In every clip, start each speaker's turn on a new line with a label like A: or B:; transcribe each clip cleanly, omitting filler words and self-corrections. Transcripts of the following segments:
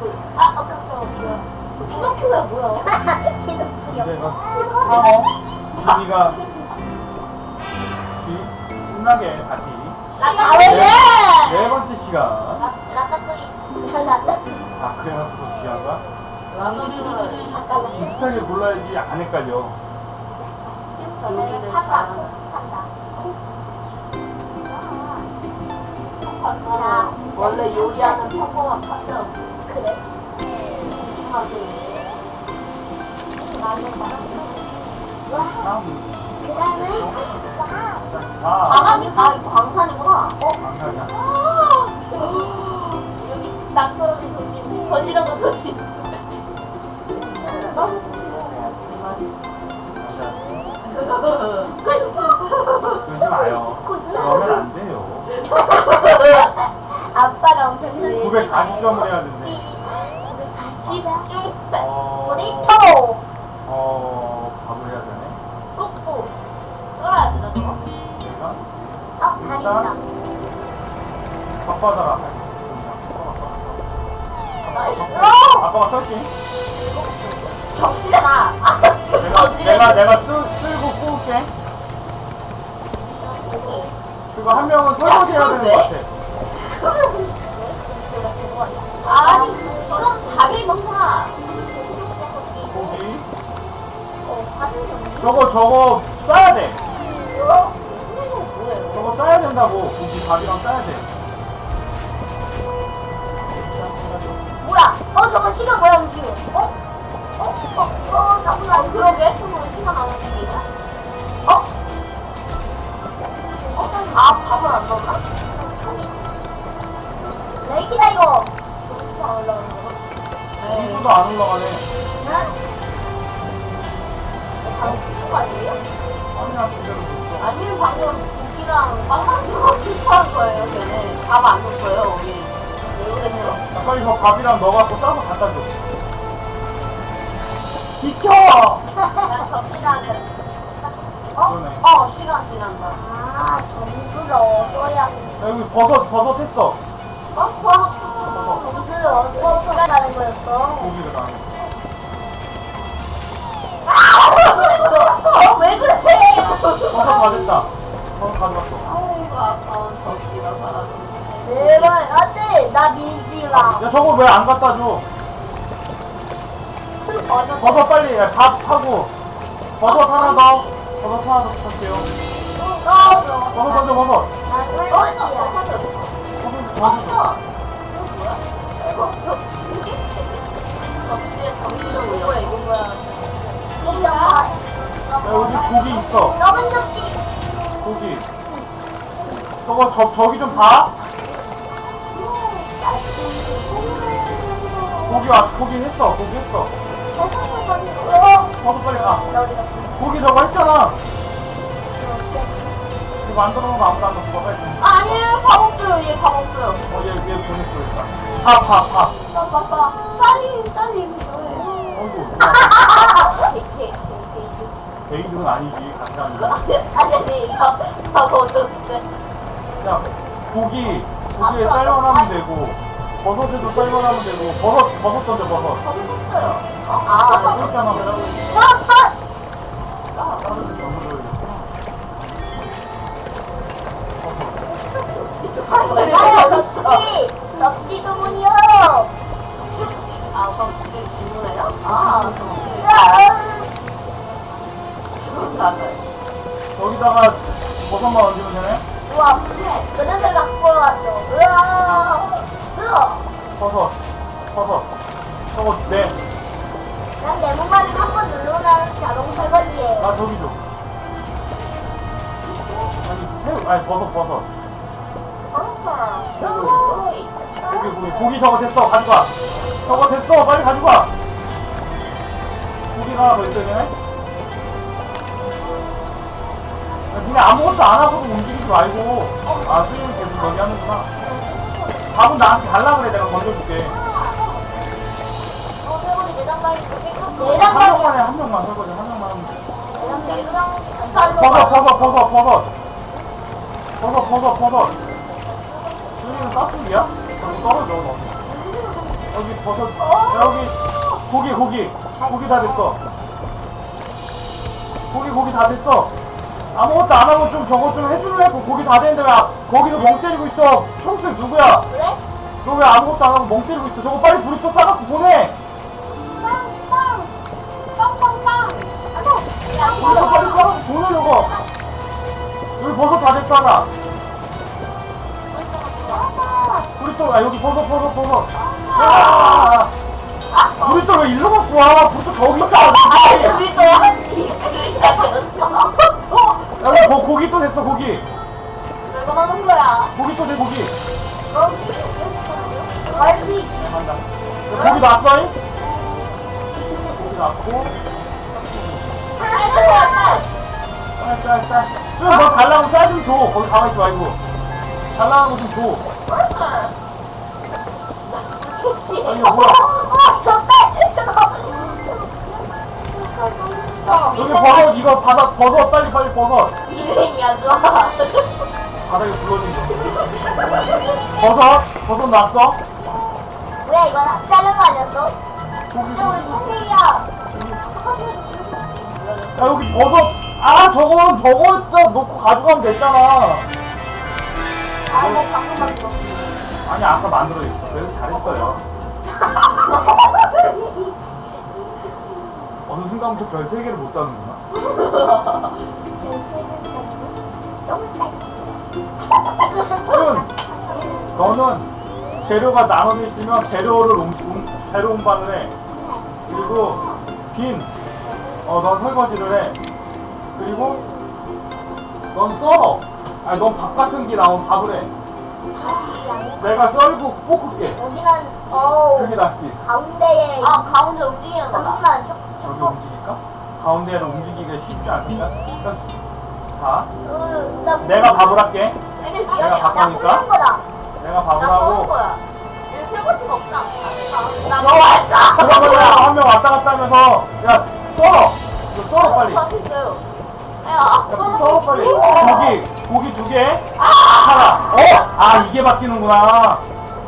A: 깜짝이야. 피노키오야 뭐야?
B: 피노키오.
C: 내가 상어 준이가 신나게 다시 네 번째 시간. 아 그래놓고 귀한가? 비슷하게 골라야지 안 헷갈려.
A: 원래 요리하는 평범한 판정.
B: 그래.
A: 사람이 다 광산이구나.
C: 강산이야?
A: 여기 땅 떨어진 도시, 번지가도 도시.
C: 그러지 마요. 그러면 안 돼요.
B: 아빠가 엄청
C: 940점을 해야 된대.
A: 집중 빼.
B: 브리토.
C: 밥을 해야 되네.
A: 꾹꾹. 썰어야 되나, 저거?
C: 내가
B: 다리 있다.
C: 밥 받아라. 아빠가 썰지?
A: 정신아.
C: 내가 쓸고 구울게. 그거 한 명은 설거지 해야 되는 것 같아.
A: 아니, 이건 밥이 먹구나.
C: 고기. 저거 싸야 돼. 저거 싸야 된다고. 고기 밥이랑 싸야 돼.
B: 뭐야? 저거 시간 뭐야 움직여? 나보다
A: 그러게. 시간 안 오는데. 밥은 안 넣나?
B: 레이키다 이거.
C: 이거도 안 올라가네. 아니야, 그대로 줬어.
A: 아니면 방금 고기랑 빵만두가 비슷한 거예요, 걔네. 밥 안 넣었어요, 우리. 왜 그랬냐?
C: 빨리 저 밥이랑 넣어갖고 싸서 갖다 줘. 비켜!
A: 난 접시랑
C: 그러네.
A: 시간 지난다.
B: 점수를 얻어야.
C: 야, 여기 버섯 했어.
B: 점수를 얻어 시간하는 거였어.
C: 고기를 다.
A: 왜 그래?
C: 버섯 다 됐다. 버섯 가져갔어.
A: 아이고, 아까운 접시가 사라졌네.
B: 내발 안돼. 나 밀지 마.
C: 야, 저거 왜 안 갖다 줘? 버섯 빨리, 야, 밥 하고. 버섯 하나 더. 버섯 하나 더 부탁해요. 버섯 던져, 버섯.
B: 나 꿀벌이야.
C: 버섯.
A: 접시에 정신은 뭐야, 이거 뭐야.
C: 야, 여기 고기 있어.
B: 적은 접시.
C: 고기. 저기 좀 봐. 고기 했어. 버섯 빨리 가. 고기 저거 했잖아. 이거 안 들어오는 거 아무도 안 넣고 빨리 좀.
A: 아니에요, 밥 없어요, 얘 밥 없어요.
C: 얘 보냈어, 일단. 밥.
A: 쌀이
C: 어이구.
A: 케이크.
C: 베이직은 아니지, 같이 하는 거.
A: 아니, 밥 어쩌는데.
C: 야, 고기에 쌀만 하면 되고, 버섯에도 쌀만 하면 되고, 버섯 던져, 버섯.
A: 밥 없어요.
C: 버섯 있잖아, 그래.
B: 접시 주문이요.
A: 그럼 그게 주문해요?
C: 여기다가 버섯만 얹으면 되네?
B: 우와, 그릇을 갖고 왔어.
C: 버섯. 저거, 네.
B: 난 네모만을 한번 누르면 자동 설거지예요.
C: 아, 저기 줘. 아니, 버섯. 고기 저거 됐어, 가져가. 저거 됐어, 빨리 가져가. 고기가 하나 더 있어야 되네? 야, 니네 아무것도 안 하고도 움직이지 말고. 수영이 계속 여기 하는구나. 밥은 나한테 달라 그래, 내가 건져줄게. 한 명만 설거지, 한 명만 하면 돼. 버섯. 수영이는 깍두기야? 저거 떨어져, 너. 여기 버섯, 여기 고기 다 됐어. 고기 다 됐어. 아무것도 안 하고 좀 저거 좀 해줄래? 고기 다 됐는데 왜 거기서 멍 때리고 있어? 총수 누구야?
B: 그래?
C: 너 왜 아무것도 안 하고 멍 때리고 있어? 저거 빨리 브리또 싸갖고 보내!
B: 빵빵빵빵빵빵.
C: 브리또 빨리 싸갖고 보내, 저거! 여기 버섯 다 됐어, 하나. 브리또, 여기 버섯. 야! 브리또 왜 일로 갖고 와? 브리또 저기 있잖아.
A: 우리 또 한지 그러니까 그랬어.
C: 여기 고기 또 됐어, 고기.
A: 왜 그러는 거야?
C: 고기 또 돼, 고기.
B: 갈비.
C: 간다. 고기 놨어, 잉? 고기 놨고. 쌀. 너 달라고 쌀 좀 줘. 거기 가만있지 말고. 달라는 거 좀 줘. 아니, 뭐야. 여기 버섯, 이거 버섯, 빨리 버섯.
A: 이름이 안 좋아.
C: 바닥에 굴러진 거. 버섯 놨어?
B: 뭐야 이거 자른 거 아니었어?
C: 고기,
B: 근데 우리 이세이야.
C: 야, 여기 버섯. 저거 진짜 놓고 가져가면 됐잖아.
B: 아뭐 방금 만들었어.
C: 아니, 아까 만들어졌어. 그래서 잘했어요. 어느 순간부터 별 3개를 못 따는구나.
B: 너무 잘.
C: 너는 재료가 나눠져 있으면 재료 운반을 해. 그리고 넌 설거지를 해. 그리고 넌 썰어. 넌 밥 같은 게 나오면 밥을 해. 내가 썰고 볶을게.
B: 여기는
C: 그게 낫지.
B: 가운데에
A: 가운데 움직이는 거다.
B: 여기만
C: 저기 움직일까? 가운데로 움직이기가 쉽지 않으니까. 자, 내가 밥을 할게. 내가 밥 하니까.
B: 꽂는 거다.
C: 내가 밥을
A: 나 써는
C: 하고.
A: 거야. 얘 설거지가 없지 않나? 나
C: 썰어!
A: 좋아했다.
C: 그러면 한 명 왔다 갔다 하면서, 야, 썰어! 이거 썰어, 빨리. 야,
A: 야,
C: 썰어, 빨리. 고기 2개. 하나. 이게 바뀌는구나.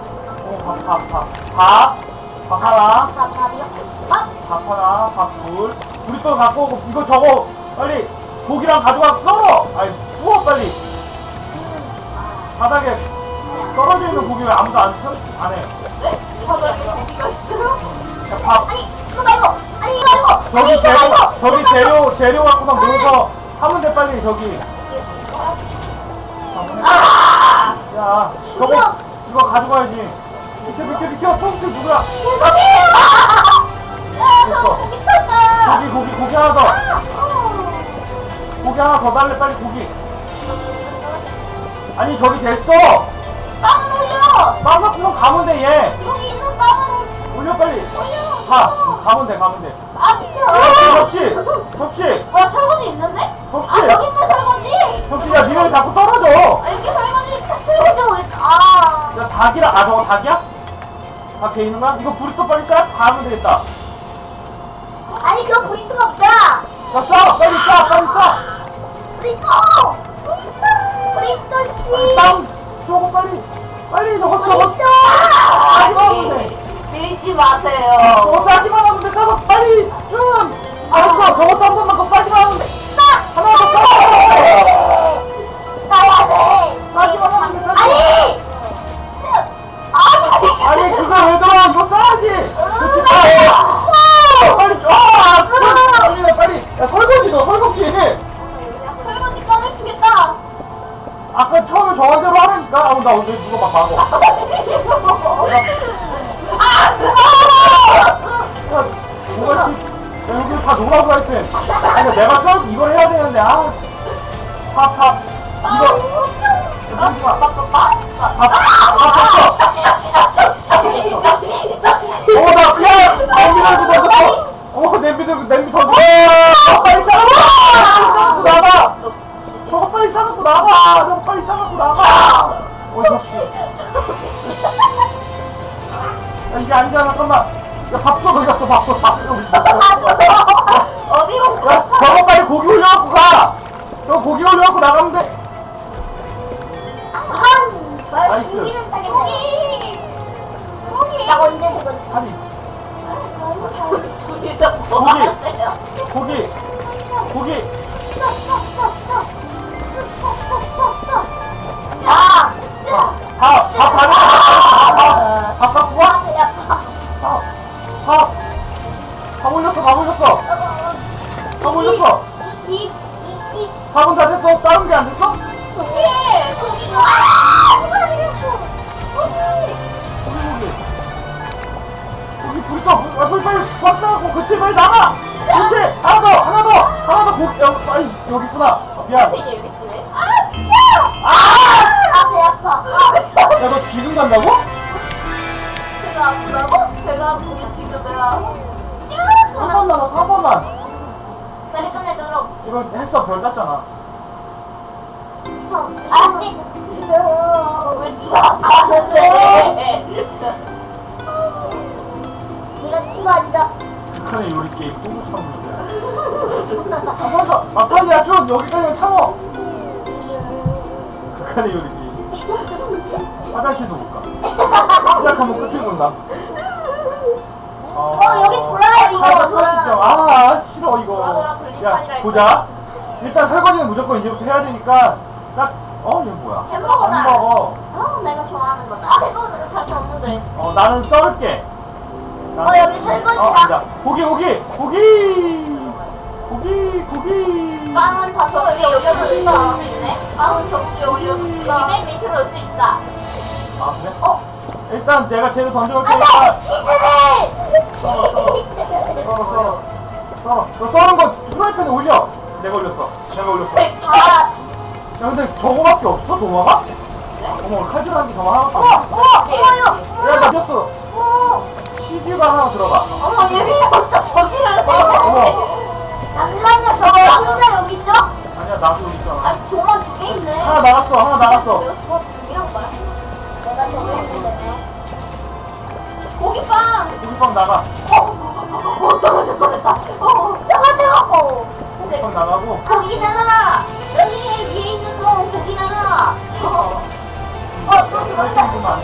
C: 밥 하나.
B: 밥이요?
C: 밥 하나, 밥 둘. 우리 또 갖고 오고, 이거 저거, 빨리, 고기랑 가져가, 썰어! 구워, 빨리. 바닥에 떨어져 있는 고기 왜 아무도 안 해? 야, 밥.
B: 아니 이거 말고. 아니 이거 말고.
C: 저기 재료 갖고서 모여서 하면 돼, 빨리, 저기. 야, 이거 가져가야지. 비켜, 똥치 누구야? 고기 하나 더. 고기 하나 더 달래, 빨리 고기. 아니, 저기 됐어.
A: 빵 올려.
C: 빵 갖고 가면 돼, 얘.
A: 여기 있는 빵을
C: 올려, 빨리.
A: 올려.
C: 가면 돼.
A: 아니야.
C: 접시.
A: 와, 설거지 있는데?
C: 접시.
A: 저기 있는 설거지.
C: 접시, 야, 니네 자꾸 떨어져.
A: 여기 설거지 어딨어?
C: 야, 닭이라, 저거 닭이야? 닭 돼 있는 거야? 이거 불이 또 빨리 다 하면 되겠다.
B: 아니 그거 포인트가 없잖아.
C: 야, 빨리 싸.
B: 브리또 씨.
C: 빵, 저거 빨리 저거
B: 브리또.
A: 밀지 마세요.
C: 저거 싸기만 하면 돼. 싸서 빨리 좀. 알았어, 저것도 한 번만 더 싸기만 하면 돼. 하나 더 싸.
B: 나야 돼.
C: 싸기만 하면 돼.
B: 아니.
C: 아니, 그거 왜 들어? 이거 싸야지. 그렇지. 빨리 줘. 빨리. 야, 설거지 너, 설거지.
A: 설거지 꺼내 주겠다.
C: 아까 처음에 저한대로 하라니까. 나 오늘 누가 막 막어. 뭐가 여기 다 놀라고 할 때. 아니, 내가 처음 이걸 해야 되는데, 밥. 이거. 밥 나 그냥 냄비 던져. 냄비 던져. 빨리 싸갖고 나가. 저거 빨리 싸갖고 나가. 접시. 야, 이게 아니잖아, 잠깐만. 야, 밥도 어디 갔어, 밥도.
A: 어디로
C: 야, 저거 빨리 고기 올려갖고 가. 저거 고기 올려갖고 나가면 돼.
B: 말
C: 나이스.
B: 공기는 타겠네. 나 언제 되건
C: 아니,
A: 둘이서 뭐 하세요?
C: 고기.
B: 야!
C: 밥 갖고 와? 밥 올렸어. 밥은 다 됐어. 다른 게 안 됐어? 고기 불 써. 빨리 밥 싸고 그치 빨리 나가. 그치 하나 더 고기 여기 있구나. 미안.
A: 되게 재밌네.
B: 배 아파.
C: 야 너 지금 간다고?
A: 배가 아프다고? 배가 아프면 지금 내가
C: 한 번만.
B: 빨리 끝내, 그럼.
C: 이거 했어. 별 땄잖아.
B: 알았지?
A: 왜 누가 아프는데?
B: 네가 친구 아니다.
C: 북한의 요리 게임 똥을 참는 거야. 한 번 더. 빨리야 쭉 여기까지만 참어. 북한의 요리 게임. 화장실도 못 가. 시작하면 끝을 본다.
B: 여기 돌아야 이거.
C: 아 싫어 이거.
A: 돌아돌아
C: 야
A: 불리판이라
C: 보자. 일단 설거지는 무조건 이제부터 해야 되니까 얘 뭐야?
A: 햄버거다.
C: 햄버거.
B: 내가 좋아하는 거다.
A: 이거는 다시 없는데.
C: 나는 썰게.
B: 여기 설거지다.
C: 아니다. 고기.
A: 빵은 다 저기 올려놓을 수 있네. 빵은 저기 올려놓을 수 있어. 맨 밑으로 올 수 있다.
C: 아 그래? 일단 내가 재료 던져올 테니까 썰어. 너 썰은 거 프라이팬에 올려. 내가 올렸어. 야 근데 저거밖에 없어 도마가? 어머 칼질하는 게 저거 하나밖에 없어. 야나 꼈어. 치즈가 하나 들어가.
A: 어머 예민이부터 저기를 해.
B: 잠시만요, 저거 혼자 여기 있죠?
C: 아니야 나도 여기 있잖아.
A: 아니 조만 두 개 있네.
C: 하나 나갔어.
A: 이런 거야.
B: 내가 저거 했는데.
A: 고기빵.
C: 고기빵 나가.
A: 떨어질 뻔했다.
B: 저거
C: 고기빵 나가고.
B: 고기 나라! 여기 위에 있는 거 고기 나라!
C: 살짝만.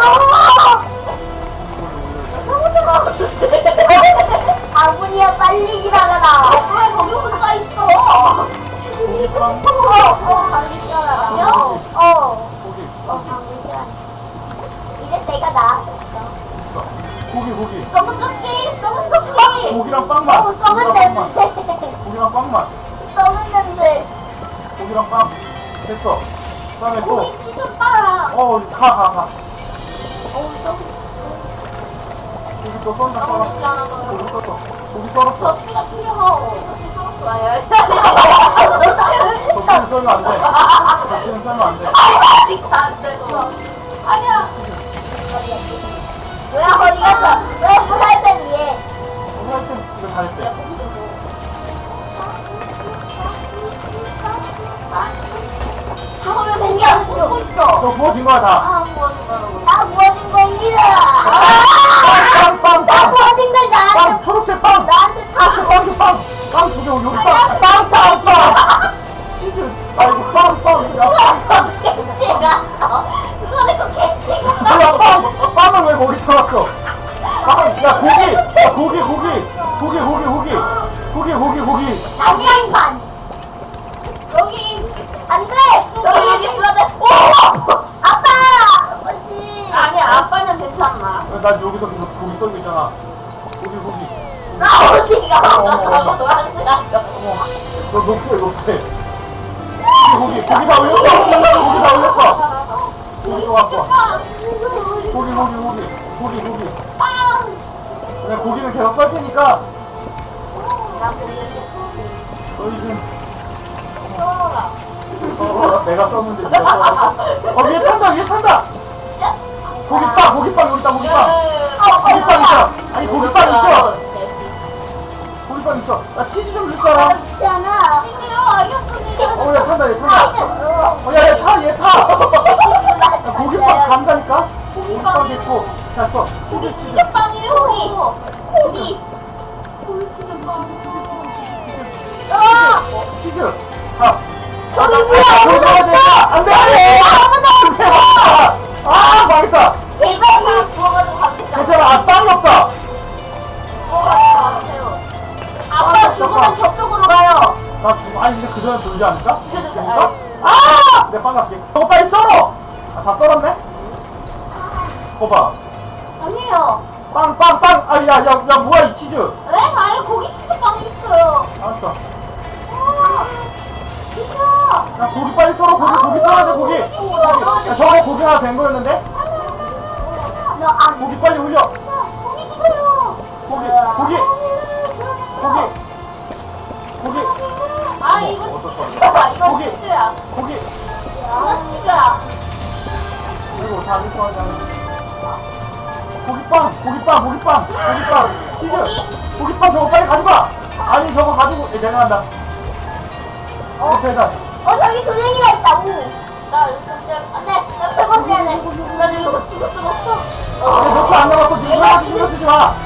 B: 아군이야 빨리 지나가라!
A: 왜 거기 혼자 있어?
C: 고기빵.
B: 방금 지나가라.
C: 고기.
B: 방금 지나가라. 이제 내가 나았어.
C: 고기.
B: 썩은 떡지!
C: 고기랑 빵만.
B: 썩은 냄새!
C: 고기랑 빵만.
B: 썩은 냄새!
C: 고기랑 빵. 됐어. 그다음에 또.
A: 고기 치즈 빨아.
C: 가.
B: 썩은
C: 고기 또 썰자.
A: 너무 좋지 않아 너.
C: 고기 썰었어.
A: 접시가 필요하고. 접시 썰었어. 아니야.
C: 접시는 썰면 안 돼. 접시는 썰면 안 돼.
A: 아직 안 됐어. 아니야.
B: 뭐야 어디 갔어? 왜 프라이팬 위에?
C: 하여튼 이거 잘했대.
B: 저거면 생겨!
A: 보고 있어.
C: 너 구워진 거야 다.
A: 아, 구워진다고.
B: 다 구워진 거입니다!
C: 빵.
B: 다 구워진 걸
C: 빵.
B: 나한테
C: 초록색 빵.
B: 나한테 다
C: 빵 두 개 여기
B: 아니야,
C: 빵. 치즈. 아이고 빵.
B: 개치가 그거는 그 개치가
C: 뭐야 빵을 왜 거기 쳐놨어? 야 고기.
B: 양양반 여기 안돼
A: 여기 불러대.
B: 아빠 아버지
A: 아니, 아빠는 괜찮나.
C: 난 여기서 계속 고기 썰고 있잖아. 고기.
A: 아버지가
C: 어머.
A: 노란색 하죠.
C: 어머, 너 녹색. 고기 다 올렸어. 고기 또 갖고 와. 고기. 그래, 고기는 계속 썰 테니까. 너희 좀. 내가 썼는데 네가 썰어. 위에 탄다. 고기빵 여기 있다. 고기빵 있어. 아니 고기빵 있어. 고기빵 있어. 나 치즈 좀 줄 사람.
B: 있잖아
C: 야 탄다. 얘 타. 야, 고기빵 간다니까? 고기빵 있고. 자, 써.
A: 고기 치즈빵이에요. 고기.
C: 치즈. 자.
B: 저기 뭐야
C: 안 돼! 망했다!
A: 일반 다 구워가지고 가면
C: 괜찮아, 빵이 없다! 아니 근데 그 전에 돌지 않을까?
A: 죽여주세요.
C: 아! 내가 빵 갈게. 저거 빨리 썰어! 아, 다 썰었네? 그거 봐.
A: 아니에요.
C: 빵! 아, 야, 뭐야, 이 치즈!
A: 네? 아니, 고기 치즈 빵 있어요.
C: 알았어.
A: 진짜.
C: 야, 고기 빨리 썰어, 고기 썰어야 돼, 고기! 야, 저거 고기 하나 된 거였는데?
B: 너안
C: 고기 빨리 올려!
A: 고기 주세요.
C: 고기!
A: 아, 이거
C: 어떡하냐.
A: 치즈야. 이거
C: 고기.
A: 치즈야.
C: 고기!
A: 이거 치즈야.
C: 그리고 다 이거 하자. 고기빵! 치즈! 고기빵 저거 빨리 가져가! 아니, 저거 가지고, 내가 한다. 대단.
B: 저기 도쟁이가 있다고.
A: 나 진짜 안 돼. 나 100원 해야 돼. 나 이거 죽었어.
C: 몇초 안 남았어. 니가 신경 쓰지 마.
A: 나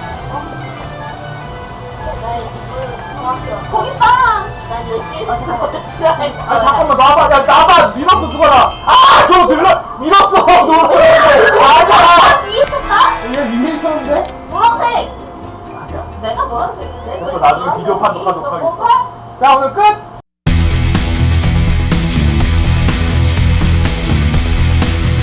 A: 이거 정확해요. 고기빵. 난 열심히 했거든.
C: 아, 잠깐만, 나봐. 밀었어, 죽어라. 아, 저거 밀었어. 아니야.
A: 있었다?
C: 얘 위에 있었는데?
A: 노란색.
C: 아니야.
A: 내가 노란색인데.
C: 그래서 나중에 비디오 판독하도록 하겠어. 자, 오늘 끝!